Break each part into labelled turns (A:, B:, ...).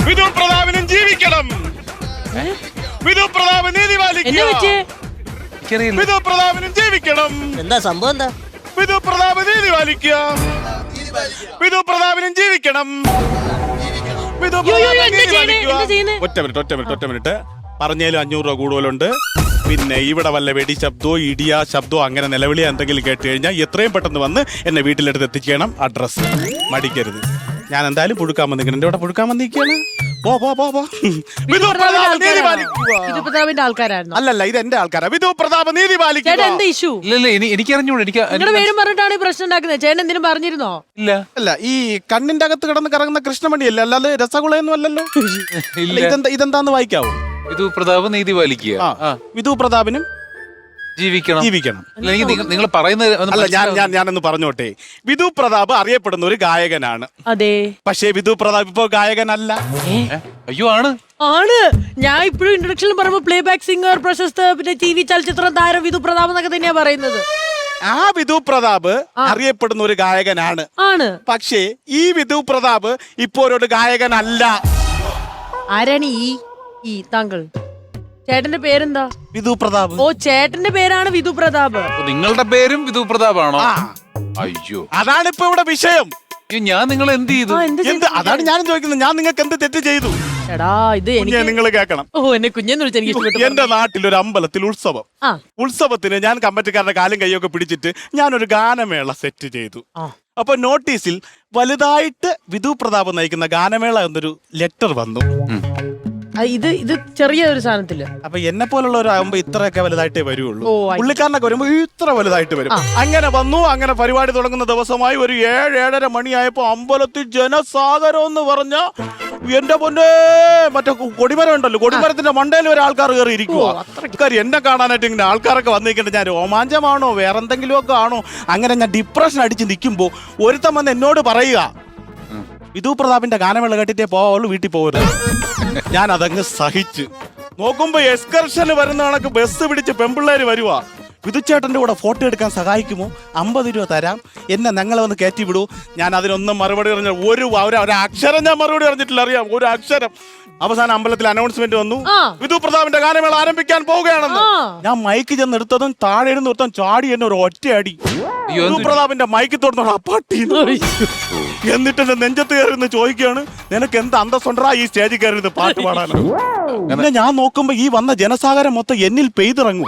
A: വിധു പ്രതാപനും ജീവിക്കണം. വിധു പ്രതാപ് നീതി പാലിക്കുക. വിധു പ്രതാപനും ജീവിക്കണം.
B: എന്താ സംഭവം? എന്താ
A: വിധു പ്രതാപ് നീതി പാലിക്കുക. വിധു പ്രതാപനും ജീവിക്കണം. വിധു പ്രതാപ് നീതി പാലിക്കുക. ഒറ്റ മിനിറ്റ് പറഞ്ഞാലും 500 രൂപ കൂടുതലുണ്ട്. പിന്നെ ഇവിടെ വല്ല വെടി ശബ്ദമോ ഇടിയാ ശബ്ദമോ അങ്ങനെ നിലവിളിയോ എന്തെങ്കിലും കേട്ട് കഴിഞ്ഞാൽ എത്രയും പെട്ടെന്ന് വന്ന് എന്നെ വീട്ടിലെടുത്ത് എത്തിക്കണം. അഡ്രസ് മടിക്കരുത്. ഞാൻ എന്തായാലും പുഴുക്കാൻ വന്നിരിക്കണം. എന്റെ ഇവിടെ പുഴുക്കാൻ വന്നിരിക്കുകയാണ്. അല്ലല്ല, ഇത് എന്റെ ആൾക്കാരാ. വിധു പ്രതാപ് നീതി പാലിക്കുക.
C: എനിക്ക് അറിഞ്ഞൂടെ.
D: പ്രശ്നം ഉണ്ടാക്കുന്നത് ചേട്ടൻ എന്തിനും പറഞ്ഞിരുന്നോ?
C: ഇല്ല.
A: അല്ല, ഈ കണ്ണിന്റെ അകത്ത് കിടന്ന് കറങ്ങുന്ന കൃഷ്ണമണിയല്ലേ, അല്ലാതെ രസഗുളയൊന്നും അല്ലല്ലോ. ഇതെന്താന്ന് വായിക്കാവോ?
C: വിധു പ്രതാപ് നീതി പാലിക്കുക.
A: വിധു പ്രതാപനും ജീവിക്കണം.
C: നിങ്ങൾ പറയുന്നത്
A: ഞാനൊന്ന് പറഞ്ഞോട്ടെ. വിധു പ്രതാപ് അറിയപ്പെടുന്ന ഒരു ഗായകനാണ്.
D: അതെ.
A: പക്ഷേ വിധു പ്രതാപ് ഇപ്പൊ ഗായകനല്ല.
C: അയ്യോ, ആണ്.
D: ഞാൻ ഇപ്പോഴും ഇൻട്രൊഡക്ഷനിൽ പറയുമ്പോ പ്ലേ ബാക്ക് സിംഗർ, പ്രശസ്ത പിന്നെ TV ചലച്ചിത്രം താരം വിധു പ്രതാപ് എന്നൊക്കെ തന്നെയാ പറയുന്നത്.
A: ആ വിധു പ്രതാപ് അറിയപ്പെടുന്ന ഒരു ഗായകനാണ്. പക്ഷേ ഈ വിധു പ്രതാപ് ഇപ്പോ ഒരു ഗായകനല്ല.
D: ആരാണ് ഈ താങ്കൾ? ചേട്ടന്റെ പേരെന്താ?
A: വിധു പ്രതാപ്.
D: ഓ, ചേട്ടന്റെ പേരാണ് വിധു പ്രതാപ്.
C: നിങ്ങളുടെ പേരും വിധു പ്രതാപാണോ? അയ്യോ,
A: അതാണ് ഇപ്പൊ ഇവിടെ വിഷയം.
C: ഞാൻ നിങ്ങൾ എന്ത് ചെയ്തു?
A: അതാണ് ഞാനും ചോദിക്കുന്നത്. ഞാൻ നിങ്ങൾക്ക് എന്ത് തെറ്റ് ചെയ്തു?
D: എടാ, ഇത്
A: നിങ്ങൾ കേൾക്കണം.
D: ഓ, എന്നെ കുഞ്ഞെന്ന് വിളിച്ച് എനിക്ക് ഇഷ്ടപ്പെട്ടു.
A: എന്റെ നാട്ടിൽ ഒരു അമ്പലത്തിൽ ഉത്സവത്തിന് ഞാൻ കമ്മിറ്റിക്കാരുടെ കാലും കൈയൊക്കെ പിടിച്ചിട്ട് ഞാനൊരു ഗാനമേള സെറ്റ് ചെയ്തു. അപ്പൊ നോട്ടീസിൽ വലുതായിട്ട് വിധു പ്രതാപ് നയിക്കുന്ന ഗാനമേള എന്നൊരു ലെറ്റർ വന്നു.
D: ഇത് ചെറിയൊരു സാധനത്തില്.
A: അപ്പൊ എന്നെ പോലുള്ളവരാകുമ്പോ ഇത്രയൊക്കെ വലുതായിട്ടേ വരുള്ളൂ. പുള്ളിക്കാരനൊക്കെ വരുമ്പോ ഇത്ര വലുതായിട്ട് വരും. അങ്ങനെ വന്നു. അങ്ങനെ പരിപാടി തുടങ്ങുന്ന ദിവസമായി ഒരു 7-7:30 മണിയായപ്പോ അമ്പലത്തിൽ ജനസാഗരം എന്ന് പറഞ്ഞ എന്റെ പൊന്നെ, മറ്റേ കൊടിമരം ഉണ്ടല്ലോ, കൊടിമരത്തിന്റെ മണ്ടയിൽ ഒരു ആൾക്കാർ കയറി ഇരിക്കുക. എന്നെ കാണാനായിട്ട് ഇങ്ങനെ ആൾക്കാരൊക്കെ വന്നിരിക്കട്ടെ. ഞാൻ രോമാഞ്ചമാണോ വേറെന്തെങ്കിലും ഒക്കെ ആണോ, അങ്ങനെ ഞാൻ ഡിപ്രഷൻ അടിച്ച് നിൽക്കുമ്പോ ഒരുത്തൻ വന്ന് എന്നോട് പറയുക, വിധു പ്രതാപിന്റെ ഗാനമേള കേട്ടിട്ടേ പോവുള്ളൂ, വീട്ടിൽ പോകരുത്. ഞാൻ അതങ്ങ് സഹിച്ച് നോക്കുമ്പോ എക്സ്കർഷന് വരുന്ന കണക്ക് ബസ് പിടിച്ച് പെമ്പിള്ളേര് വരുവാ. വിധുച്ചേട്ടന്റെ കൂടെ ഫോട്ടോ എടുക്കാൻ സഹായിക്കുമോ? 50 രൂപ തരാം, എന്നെ ഞങ്ങളെ ഒന്ന് കയറ്റി വിടൂ. ഞാൻ അതിനൊന്നും മറുപടി പറഞ്ഞ ഒരു അക്ഷരം ഞാൻ മറുപടി പറഞ്ഞിട്ടില്ല. അറിയാം, ഒരു അക്ഷരം. അവസാനം അമ്പലത്തിൽ അനൗൺസ്മെന്റ് വന്നു, വിധു പ്രതാപിന്റെ ഗാനമേള ആരംഭിക്കാൻ പോവുകയാണെന്ന്. ഞാൻ മൈക്ക് ചെന്ന് എടുത്തതും താഴെ ഇരുന്ന് നിർത്താൻ ചാടി എന്നെ ഒരു ഒറ്റയടി. വിധു പ്രതാപിന്റെ മൈക്ക് തുറന്നോളൂ അപ്പാട്ടി. എന്നിട്ട് എന്റെ നെഞ്ചത്ത് കയറിന്ന് ചോദിക്കുകയാണ്, നിനക്ക് എന്ത് അന്തസ്സുണ്ടാ ഈ സ്റ്റേജിൽ കയറിയത് പാട്ട് പാടാനോ? പിന്നെ ഞാൻ നോക്കുമ്പോ ഈ വന്ന ജനസാഗരം മൊത്തം എന്നിൽ പെയ്തിറങ്ങുക.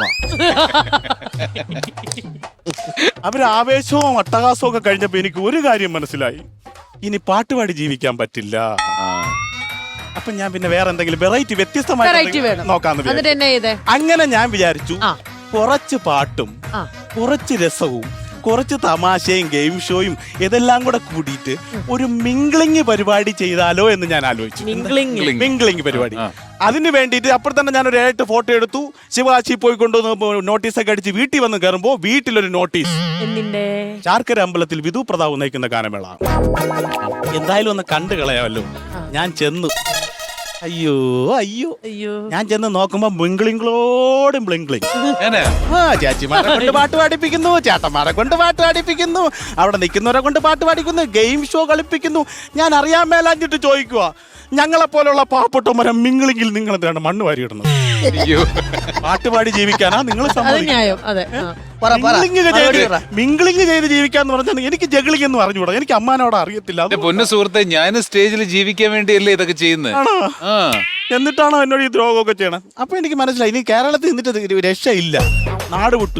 A: അവര് ആവേശവും അട്ടഹാസവും ഒക്കെ കഴിഞ്ഞപ്പോ എനിക്ക് ഒരു കാര്യം മനസ്സിലായി, ഇനി പാട്ടുപാടി ജീവിക്കാൻ പറ്റില്ല. അപ്പൊ ഞാൻ പിന്നെ വേറെ എന്തെങ്കിലും വെറൈറ്റി വ്യത്യസ്തമായി നോക്കാന്ന്. അങ്ങനെ ഞാൻ വിചാരിച്ചു, കുറച്ച് പാട്ടും കുറച്ച് രസവും കുറച്ച് തമാശയും ഗെയിം ഷോയും ഇതെല്ലാം കൂടെ കൂടിയിട്ട് ഒരു മിംഗ്ലിംഗ് പരിപാടി ചെയ്താലോ എന്ന് ഞാൻ ആലോചിച്ചു. മിംഗ്ലിംഗ് പരിപാടി. അതിന് വേണ്ടിയിട്ട് അപ്പോൾ തന്നെ ഞാൻ ഒരു 7 ഫോട്ടോ എടുത്തു. ശിവാശി പോയി കൊണ്ടുവന്ന് നോട്ടീസൊക്കെ അടിച്ച് വീട്ടിൽ വന്ന് കയറുമ്പോ വീട്ടിലൊരു നോട്ടീസ്, ചാർക്കര അമ്പലത്തിൽ വിധു പ്രതാപ് നയിക്കുന്ന ഗാനമേള. എന്തായാലും ഒന്ന് കണ്ടു കളയാമല്ലോ. ഞാൻ ചെന്നു. അയ്യോ അയ്യോ അയ്യോ, ഞാൻ ചെന്ന് നോക്കുമ്പോ ബ്ലിംഗ്ലിംഗ്ലോടും ബ്ലിംഗ്ലിംഗ്. ചേച്ചിമാരെ കൊണ്ട് പാട്ട് പാടിപ്പിക്കുന്നു, ചേട്ടന്മാരെ കൊണ്ട് പാട്ട് പാടിപ്പിക്കുന്നു, അവിടെ നിൽക്കുന്നവരെ കൊണ്ട് പാട്ട് പാടിക്കുന്നു, ഗെയിം ഷോ കളിപ്പിക്കുന്നു. ഞാൻ അറിയാൻ മേലാഞ്ഞിട്ട് ചോദിക്കുക, ഞങ്ങളെപ്പോലുള്ള പാവപ്പെട്ടവരെ മിംഗ്ലിംഗിൽ നിങ്ങൾ എന്താണ് മണ്ണ് വാരിയിടുന്നത്? പാട്ടുപാടി ജീവിക്കാനാ നിങ്ങൾ മിംഗ്ലിംഗ് ചെയ്ത് ജീവിക്കാന്ന് പറഞ്ഞാൽ എനിക്ക് ജഗ്ലിംഗ് എന്ന് പറഞ്ഞുകൂടാ. എനിക്ക് അമ്മാനോട് അറിയത്തില്ല.
C: പൊന്നു സുഹൃത്തെ, ഞാൻ സ്റ്റേജിൽ ജീവിക്കാൻ വേണ്ടിയല്ലേ ഇതൊക്കെ ചെയ്യുന്നത്.
A: എന്നിട്ടാണോ എന്നോട് ഈ ദ്രോഹമൊക്കെ ചെയ്യണം? അപ്പൊ എനിക്ക് മനസ്സിലായി, ഇനി കേരളത്തിൽ നിന്നിട്ട് രക്ഷയില്ല. നാട് വിട്ടു.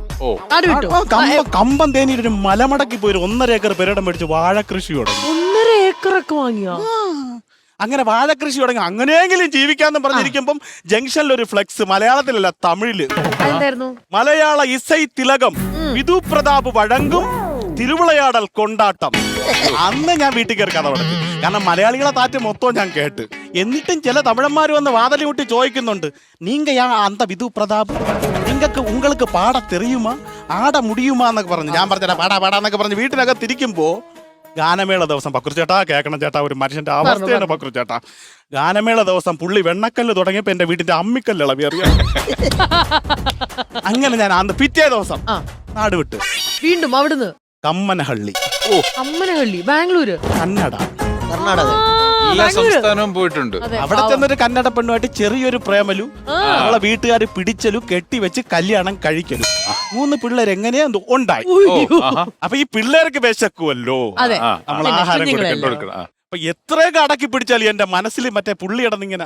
A: കമ്പം തേനിയിൽ ഒരു മലമടക്കി പോയി 1.5 ഏക്കർ പെരടം മേടിച്ച് വാഴ കൃഷി തുടങ്ങി.
D: 1.5 ഏക്കറൊക്കെ വാങ്ങിയോ?
A: അങ്ങനെ വാഴകൃഷി തുടങ്ങി. അങ്ങനെയെങ്കിലും ജീവിക്കാന്ന് പറഞ്ഞിരിക്കുമ്പം ജംഗ്ഷനിൽ ഒരു ഫ്ലെക്സ്, മലയാളത്തിലല്ല തമിഴില്, മലയാള ഇസൈ തിലകം വിധു പ്രതാപ് വഴങ്ങും തിരുവിളയാടൽ കൊണ്ടാട്ടം. അന്ന് ഞാൻ വീട്ടിൽ കയറി കഥ തുടങ്ങി. കാരണം മലയാളികളെ താറ്റ് മൊത്തം ഞാൻ കേട്ട്. എന്നിട്ടും ചില തമിഴന്മാർ വന്ന് വാതിലി കൂട്ടി ചോദിക്കുന്നുണ്ട്, നീങ്ക അന്ത വിധു പ്രതാപ്, നിങ്ങൾക്ക് പാട തെറിയുമാ, ആട മുടിയുമാ എന്നൊക്കെ പറഞ്ഞു. ഞാൻ പറഞ്ഞ പാടാന്നൊക്കെ പറഞ്ഞ് വീട്ടിനകത്ത് തിരിക്കുമ്പോ ഗാനമേള ദിവസം പക്രു ചേട്ടാ കേൾക്കണം ചേട്ടാ, ഒരു മനുഷ്യന്റെ അവസ്ഥയാണ് പക്രു ചേട്ടാ. ഗാനമേള ദിവസം പുള്ളി വെണ്ണക്കല്ല് തുടങ്ങിയപ്പോ എന്റെ വീട്ടിന്റെ അമ്മിക്കല്ല് ഇളവി അറിയാം. അങ്ങനെ ഞാൻ അന്ന് പിറ്റേ ദിവസം നാട് വിട്ട്
D: വീണ്ടും അവിടുന്ന്
A: കമ്മനഹള്ളി,
D: കമ്മനഹള്ളി, ബാംഗ്ലൂര്,
A: കർണാടക.
C: എല്ലാ സംസ്ഥാനവും പോയിട്ടുണ്ട്.
A: അവിടെ ചെന്നൊരു കന്നഡ പെണ്ണുമായിട്ട് ചെറിയൊരു പ്രേമലു, നമ്മളെ വീട്ടുകാർ പിടിച്ചലും കെട്ടിവെച്ച് കല്യാണം കഴിക്കലും, 3 പിള്ളേർ എങ്ങനെയാ ഉണ്ടായി. അപ്പൊ ഈ പിള്ളേർക്ക് വിശക്കുമല്ലോ, നമ്മൾ ആഹാരം കൊടുക്കണം. അപ്പൊ എത്രയൊക്കെ അടക്കി പിടിച്ചാലും എന്റെ മനസ്സിൽ മറ്റേ പുള്ളി കിടന്നിങ്ങനെ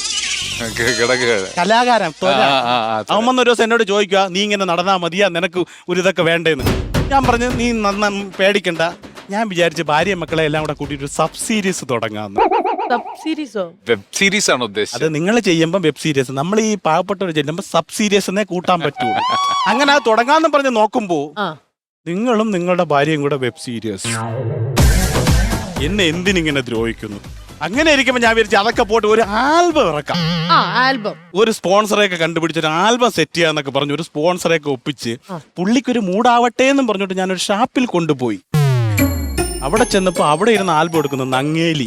A: കലാകാരൻ അവൻ വന്നൊരു ദിവസം എന്നോട് ചോദിക്കുക, നീ ഇങ്ങനെ നടന്നാ മതിയാ, നിനക്ക് ഒരു ഇതൊക്കെ വേണ്ടേന്ന്. ഞാൻ പറഞ്ഞു, നീ പേടിക്കണ്ട, ഞാൻ വിചാരിച്ച ഭാര്യ മക്കളെ എല്ലാം കൂടെ കൂട്ടിയിട്ട് ഒരു സബ് സീരീസ് തുടങ്ങാന്ന്.
C: വെബ് സീരീസ് ആണ് ഉദ്ദേശിച്ചത്.
A: അത് നിങ്ങൾ ചെയ്യുമ്പോൾ വെബ് സീരീസ്, നമ്മൾ ഈ പാവപ്പെട്ടവർ ചെല്ലുമ്പോൾ സബ് സീരീസ് എന്നേ കൂട്ടാൻ പറ്റുള്ളൂ. അങ്ങനെ അത് തുടങ്ങാന്ന് പറഞ്ഞ് നോക്കുമ്പോ നിങ്ങളും നിങ്ങളുടെ ഭാര്യയും കൂടെ വെബ് സീരീസ്. എന്നെ എന്തിനിങ്ങനെ ദ്രോഹിക്കുന്നു? അങ്ങനെ ഇരിക്കുമ്പോ ഞാൻ വിചാരിച്ചു അതൊക്കെ പോട്ട് ഒരു ആൽബം ഇറക്കാം. ഒരു സ്പോൺസറെയൊക്കെ കണ്ടുപിടിച്ച് ഒരു ആൽബം സെറ്റ് ചെയ്യാന്നൊക്കെ പറഞ്ഞു ഒരു സ്പോൺസറെയൊക്കെ ഒപ്പിച്ച് പുള്ളിക്കൊരു മൂടാവട്ടെ എന്നും പറഞ്ഞിട്ട് ഞാനൊരു ഷാപ്പിൽ കൊണ്ടുപോയി. അവിടെ ചെന്നപ്പോ അവിടെ ഇരുന്ന് ആൽബം എടുക്കുന്നു നങ്ങേലി.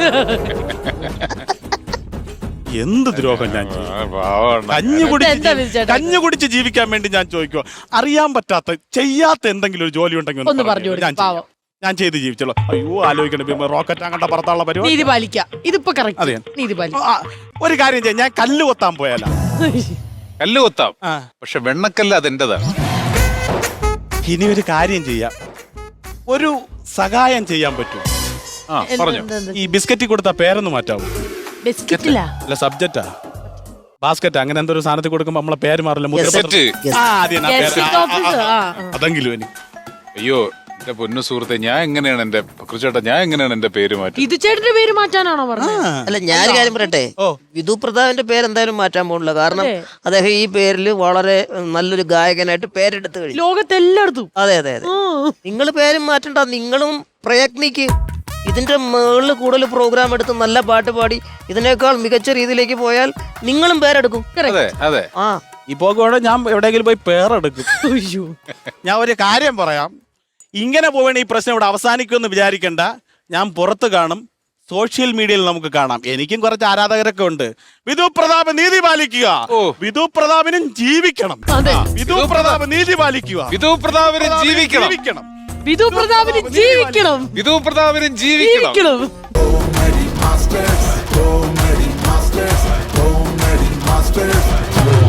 A: എന്ത് ദ്രോഹം ഞാൻ കഞ്ഞു കുടിച്ച് ജീവിക്കാൻ വേണ്ടി ഞാൻ ചോദിക്കുക. അറിയാൻ പറ്റാത്ത ചെയ്യാത്ത എന്തെങ്കിലും ഒരു ജോലി ഉണ്ടെങ്കിൽ ഞാൻ ചെയ്ത് ജീവിച്ചോളൂ. അയ്യോ ആലോചിക്കണം, റോക്കറ്റ് അങ്ങോട്ട് പറത്താനുള്ള പരിപാടി. ഒരു കാര്യം ചെയ്യാം, ഞാൻ കല്ല് കൊത്താൻ പോയാലോ?
C: കല്ല് കൊത്താം, പക്ഷെ വെണ്ണക്കല്ല് അതെന്റേതാണ്.
A: ഇനി ഒരു കാര്യം ചെയ്യാം, ഒരു സഹായം ചെയ്യാൻ പറ്റും. പറഞ്ഞു, ഈ ബിസ്ക്കറ്റ് കൊടുത്ത പേരൊന്ന് മാറ്റാവൂ. അല്ല സബ്ജക്റ്റാ, ബാസ്ക്കറ്റ് അങ്ങനെ എന്തോ ഒരു സാധനത്തിൽ കൊടുക്കുമ്പോ നമ്മളെ പേര് മാറില്ല. അതെങ്കിലും എനിക്ക്.
C: അയ്യോ എന്റെ പൊന്നു സുഹൃത്തെ, ഞാൻ എങ്ങനെയാണ് എന്റെ പേര് മാറ്റി?
D: ഇത് ചേട്ടന്റെ പേര് മാറ്റാനാണോ പറഞ്ഞത്?
B: അല്ല, ഞാനൊരു കാര്യം പറയട്ടെ, വിധു പ്രതാപിന്റെ പേര് എന്തായാലും മാറ്റാൻ പോകില്ല. കാരണം അദ്ദേഹം ഈ പേരിൽ വളരെ നല്ലൊരു ഗായകനായിട്ട് പേരെടുത്ത് കഴിഞ്ഞു
D: ലോകത്തെല്ലായിടത്തും.
B: അതെ അതെ അതെ. നിങ്ങൾ പേരും മാറ്റണ്ട, നിങ്ങളും പ്രയത്നിക്ക്. ഇതിന്റെ മുകളിൽ കൂടുതൽ പ്രോഗ്രാം എടുത്ത് നല്ല പാട്ട് പാടി ഇതിനേക്കാൾ മികച്ച രീതിയിലേക്ക് പോയാൽ നിങ്ങളും പേരെടുക്കും.
C: അതെ.
A: ഈ പോകുവാണ് ഞാൻ എവിടെയെങ്കിലും പോയി പേരെടുക്കും. ഞാൻ ഒരു കാര്യം പറയാം, ഇങ്ങനെ പോവേണ്ട ഈ പ്രശ്നം ഇവിടെ അവസാനിക്കുമെന്ന് വിചാരിക്കണ്ട. ഞാൻ പുറത്ത് കാണും, സോഷ്യൽ മീഡിയയിൽ നമുക്ക് കാണാം. എനിക്കും കുറച്ച് ആരാധകരൊക്കെ ഉണ്ട്. വിധു പ്രതാപ് നീതി പാലിക്കുക, വിധു പ്രതാപിനും ജീവിക്കണം, വിധു പ്രതാപ് നീതി പാലിക്കുക,
C: വിധു പ്രതാപിനും ജീവിക്കണം,
D: വിധു പ്രതാപിന് ജീവിക്കണം,
C: വിധു പ്രതാപിനും ജീവിക്കണം.
E: Masters.